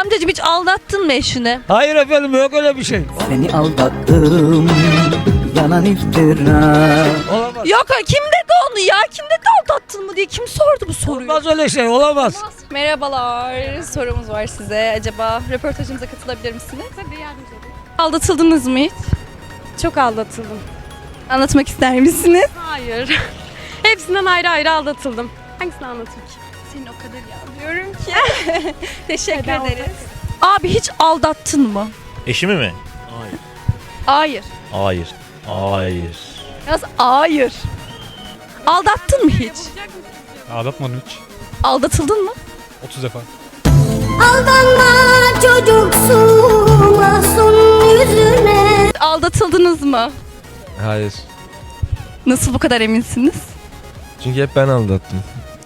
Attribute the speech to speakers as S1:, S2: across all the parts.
S1: Amcacığım hiç aldattın mı eşini?
S2: Hayır efendim, yok öyle bir şey.
S3: Seni aldattım, yalan iftira.
S2: Olamaz.
S1: Yok kim dedi onu ya? Kim dedi aldattın mı diye kim sordu bu soruyu?
S2: Olmaz öyle şey, olamaz.
S4: Merhabalar, sorumuz var size. Acaba röportajımıza katılabilir misiniz? Tabii yardımcı olun. Aldatıldınız mı hiç? Çok aldatıldım.
S1: Anlatmak ister misiniz?
S4: Hayır. Hepsinden ayrı ayrı aldatıldım. Hangisini anlatayım ki?
S1: Senin o kadar ya. Diyorum ki.
S4: Teşekkür
S1: Neden
S4: ederiz.
S1: Abi hiç aldattın mı?
S5: Eşimi mi?
S1: Hayır.
S5: Hayır. Hayır.
S1: Yaz hayır. Aldattın mı hiç?
S6: Aldatmadım hiç.
S1: Aldatıldın mı?
S6: 30 defa.
S7: Aldanma çocuksu masum yüzüne.
S1: Aldatıldınız mı?
S8: Hayır.
S1: Nasıl bu kadar eminsiniz?
S8: Çünkü hep ben aldattım.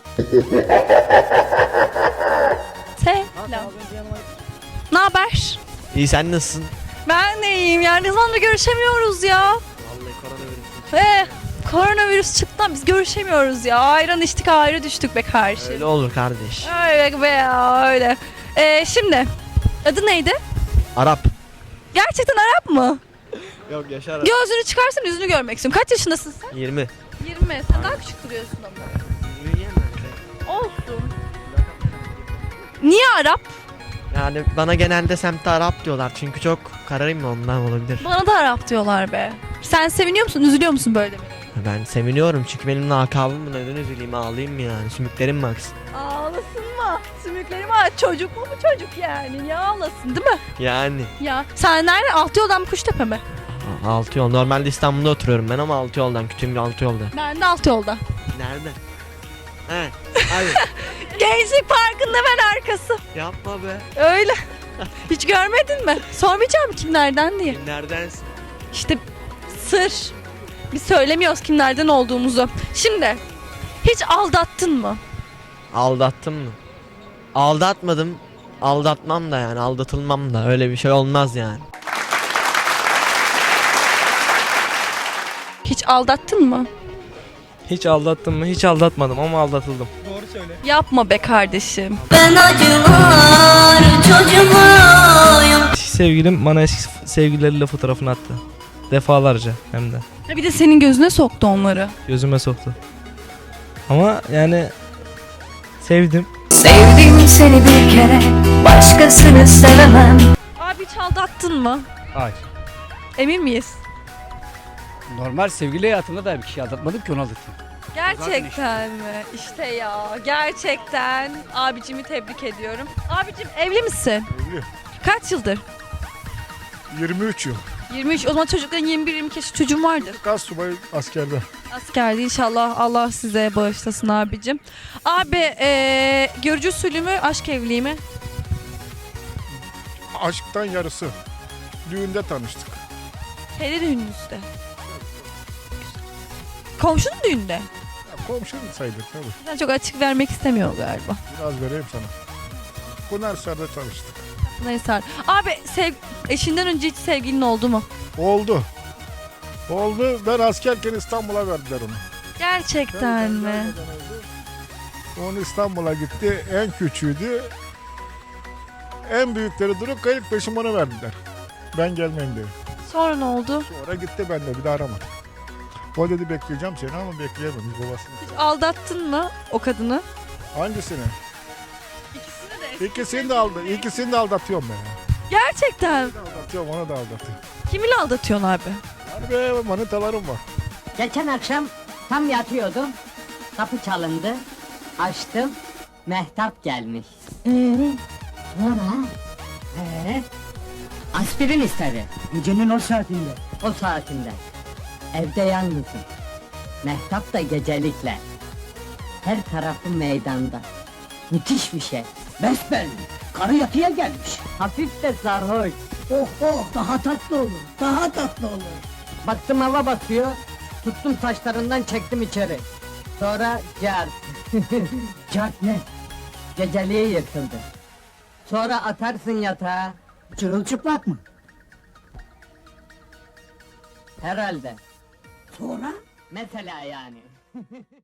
S1: Selam. Ne haber?
S9: İyi, sen nasılsın?
S1: Ben de iyiyim ya. Ne zamandır görüşemiyoruz ya.
S9: Vallahi koronavirüs.
S1: Koronavirüs çıktı biz görüşemiyoruz ya. Ayran içtik ayrı düştük be kardeşim.
S9: Öyle olur kardeş.
S1: Öyle be ya öyle. Şimdi adı neydi?
S9: Arap.
S1: Gerçekten Arap mı?
S9: Yok, Yaşar.
S1: Gözünü çıkarsın yüzünü görmek istiyorum. Kaç yaşındasın sen?
S9: 20.
S1: 20. Sen daha küçük duruyorsun ama. Olsun. Niye Arap?
S9: Yani bana genelde semtte Arap diyorlar çünkü çok kararayım mı, ondan olabilir.
S1: Bana da Arap diyorlar be. Sen seviniyor musun, üzülüyor musun böyle mi?
S9: Ben seviniyorum çünkü benim lakabım, neden üzüleyim, ağlayayım mı yani, sümüklerim mi aksın?
S1: Ağlasın mı? Sümükleri mi? Çocuk mu bu çocuk yani? Ya ağlasın değil mi?
S9: Yani.
S1: Ya. Sen nerede? Altıyoldan mı Kuştepe mi?
S9: Altı yol. Normalde İstanbul'da oturuyorum ben ama altı yoldan, Kütüğüm altı yolda.
S1: Ben de Altıyolda.
S9: Nerede? He. Hayır.
S1: Gençlik Parkı'nın hemen arkası.
S9: Yapma be.
S1: Öyle. Hiç görmedin mi? Sormayacağım kimlerden diye.
S9: Kimlerdensin?
S1: İşte sır. Biz söylemiyoruz kimlerden olduğumuzu. Şimdi hiç aldattın mı?
S9: Aldattım mı? Aldatmadım. Aldatmam da yani, aldatılmam da, öyle bir şey olmaz yani.
S1: Hiç aldattın mı?
S8: Hiç aldattım mı? Hiç aldatmadım ama aldatıldım.
S1: Yapma be kardeşim.
S7: Ben acılar çocuğuyum.
S8: Sevgilim bana eski sevgilileriyle fotoğrafını attı. Defalarca hem de.
S1: Ha bir de senin gözüne soktu onları.
S8: Gözüme soktu. Ama yani sevdim.
S3: Sevdim seni bir kere, başkasını sevemem.
S1: Abi hiç aldattın mı?
S6: Hayır.
S1: Emin miyiz?
S2: Normal sevgili hayatımda da bir kişi aldatmadım ki, onu aldatayım.
S1: Gerçekten mi? İşte ya gerçekten abicimi tebrik ediyorum. Abicim evli misin?
S6: Evli.
S1: Kaç yıldır?
S6: 23 yıl.
S1: 23. O zaman çocukların 21-22 yaş çocuğun vardır.
S6: Gaz subayı askerde.
S1: Askerde inşallah Allah size bağışlasın abicim. Abi görücü usulü mü aşk evliliği mi?
S6: Aşktan yarısı. Düğünde tanıştık.
S1: Hele düğününüzde. Komşunun düğünde.
S6: Ya, komşu sayılır tabii.
S1: Sen çok açık vermek istemiyor galiba.
S6: Biraz vereyim sana. Pınarhisar'da tanıştık.
S1: Neyse. Abi eşinden önce hiç sevgilin oldu mu?
S6: Oldu. Oldu. Ben askerken İstanbul'a verdiler onu.
S1: Gerçekten mi?
S6: Gelmeden oldu. Onu İstanbul'a gitti. En küçüğüydü. En büyükleri durup kayıp peşim ona verdiler. Ben gelmeyeyim diye.
S1: Sonra ne oldu?
S6: Sonra gitti, ben de bir daha aramadım. O dedi bekleyeceğim seni ama bekleyememiş babasını.
S1: Hiç aldattın mı o kadını?
S6: Hangisini?
S1: İkisini de.
S6: İkisini de aldatıyorum ben.
S1: Gerçekten.
S6: Bir de aldatıyorum, onu da aldatıyorum.
S1: Kiminle aldatıyorsun abi?
S6: Hani be manitalarım var.
S10: Geçen akşam tam yatıyordum. Kapı çalındı. Açtım. Mehtap gelmiş. Sonra? Aspirin istedi. Gecenin o saatinde. O saatinde. Evde yalnızım. Mehtap da gecelikle. Her tarafı meydanda. Müthiş bir şey. Besbelli. Karı yatıya gelmiş. Hafif de sarhoş. Oh oh, daha tatlı olur. Daha tatlı olur. Baktım hava basıyor. Tuttum saçlarından çektim içeri. Sonra cart. Cart ne? Geceliğe yırtıldı. Sonra atarsın yatağa. Çırılçıplak mı? Herhalde. Sonra? Mesela yani.